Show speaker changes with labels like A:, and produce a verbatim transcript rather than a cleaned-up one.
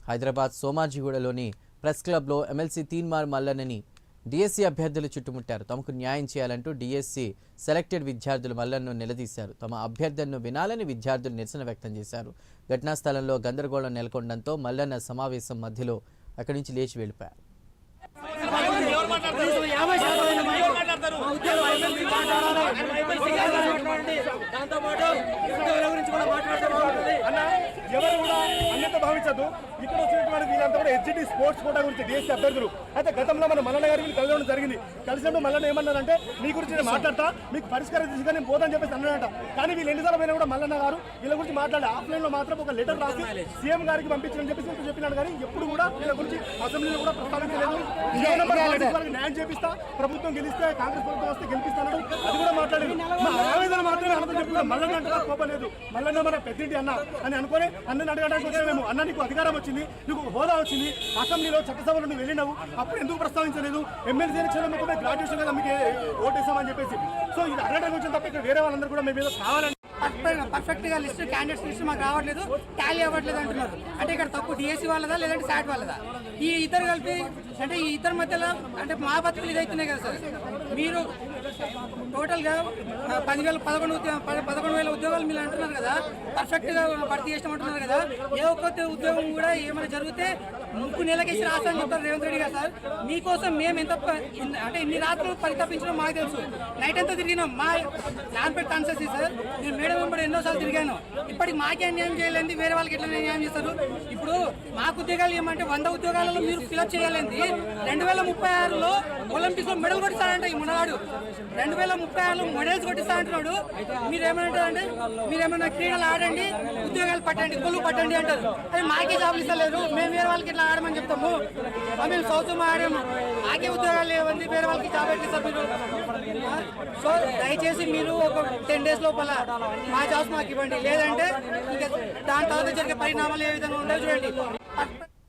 A: హైదరాబాద్ సోమాజిగూడలోని ప్రెస్ క్లబ్లో ఎమ్మెల్సీ తీన్మార్ మల్లన్నని డిఎస్సీ అభ్యర్థులు చుట్టుముట్టారు. తమకు న్యాయం చేయాలంటూ డిఎస్సీ సెలెక్టెడ్ విద్యార్థులు మల్లన్నను నిలదీశారు. తమ అభ్యర్థనను వినాలని విద్యార్థులు నిరసన వ్యక్తం చేశారు. ఘటనా స్థలంలో గందరగోళం నెలకొనడంతో మల్లన్న సమావేశం మధ్యలో అక్కడి నుంచి లేచి వెళ్లిపోయారు.
B: ఎవరు కూడా అన్యత భావించదు. ఇక్కడ వచ్చినటువంటి వీళ్ళంతా కూడా హెచ్డి స్పోర్ట్స్ కోటా గురించి డిఎస్సీ అభ్యర్థులు అయితే గతంలో మన మల్లన్న గారికి కలవడం జరిగింది. కలిసినప్పుడు మల్లన్న ఏమన్నారంటే మీ గురించి నేను మాట్లాడతా, మీకు పరిష్కారం తీసుకుని నేను పోతాను చెప్పేసి అన్నాడంట. కానీ వీళ్ళు ఎన్నిసార్లు పోయినా కూడా మల్లన్న గారు వీళ్ళ గురించి మాట్లాడే ఆఫ్లైన్ లో మాత్రం ఒక లెటర్ రాసి సీఎం గారికి పంపించని చెప్పేసి చెప్పినాడు. కానీ ఎప్పుడు కూడా వీళ్ళ గురించి అసెంబ్లీలో కూడా ప్రస్తావించలేదు. న్యాయం చేపిస్తా, ప్రభుత్వం గెలిస్తే కాంగ్రెస్ ప్రభుత్వం వస్తే గెలిపిస్తాడు, అది కూడా మాట్లాడలేదు. మా ఆవేదన మాత్రమే అనంతం చెప్పుకున్నాం. మల్లన్న అంటే కోపలేదు, మల్లన్న మన పెద్దింటి అన్న అని అనుకుని అన్నని అడగడానికి వచ్చే మేము అన్న నీకు అధికారం వచ్చింది, నీకు హోదా వచ్చింది, అసెంబ్లీలో చట్టసభలో నువ్వు వెళ్ళినావు, అప్పుడు ఎందుకు ప్రస్తావించలేదు? ఎమ్మెల్సీ ఎలక్షన్ మొత్తమే గ్రాడ్యుయేషన్ కదా మీకు ఓటేసామని చెప్పేసి. సో ఇది అడగడానికి వచ్చిన తప్ప ఇక్కడ వేరే వాళ్ళందరూ కూడా మేము ఏదో కావాలని
C: పర్ఫెక్ట్ గా లిస్ట్ క్యాండిడేట్స్ లిస్ట్ మాకు రావట్లేదు, టాలీ అవ్వట్లేదు అంటున్నారు. అంటే ఇక్కడ తప్పు డిఎస్సీ వాళ్ళదా లేదంటే సాట్ వాళ్ళదా? ఈ ఇద్దరు కలిపి అంటే ఈ ఇద్దరి మధ్యలో అంటే మా బతుకులు ఇదైతున్నాయి కదా సార్. మీరు టోటల్ గా పదివేల పదకొండు పదకొండు వేల ఉద్యోగాలు మీరు అంటున్నారు కదా, పర్ఫెక్ట్ గా భర్తీ చేస్తామంటున్నారు కదా. ఏ ఒక్క ఉద్యోగం కూడా ఏమైనా జరిగితే ముక్కు నెలకేసి రాస్తారని చెప్తారు రేవంత్ రెడ్డి గారు. సార్ మీకోసం మేము ఎంత అంటే ఇన్ని రాత్రులు పరితపించడం మాకు తెలుసు. నైట్ అంతా తిరిగినాం. మా నాన్పేట కాన్సెన్సీ సార్, నేను మేడం వెంబడి ఎన్నోసార్లు తిరిగాను. ఇప్పటికి మాకే అన్యాయం చేయలేదు, వేరే వాళ్ళకి ఎట్లా న్యాయం చేస్తారు? ఇప్పుడు మాకు ఉద్యోగాలు ఏమంటే వంద ఉద్యోగాలలో మీరు ఫిలప్ చేయాలండి. రెండు వేల ముప్పై ఆరులో ఒలింపిక్స్ లో మెడల్ కొట్టిస్తాడంట ఈ మునగాడు. రెండు వేల ముప్పై ఆరులో మెడల్స్ కొట్టిస్తా అంటున్నాడు. మీరేమంటారంటే మీరేమన్నా క్రీడలు ఆడండి, ఉద్యోగాలు పట్టండి, కొలువు పట్టండి అంటారు. అది మాకే జాబులు ఇస్తలేరు, మేము వేరే వాళ్ళకి ఇట్లా ఆడమని చెప్తాము. మేము సౌత్ ఆడాము, మాకే ఉద్యోగాలు లేవండి, వేరే వాళ్ళకి జాబ్ ఎట్లిస్తారు మీరు? సో దయచేసి మీరు ఒక టెన్ డేస్ లోపల మా జాబ్స్ మాకు ఇవ్వండి, లేదంటే ఇంకా దాని తర్వాత జరిగే పరిణామాలు ఏ విధంగా ఉండవు చూడండి.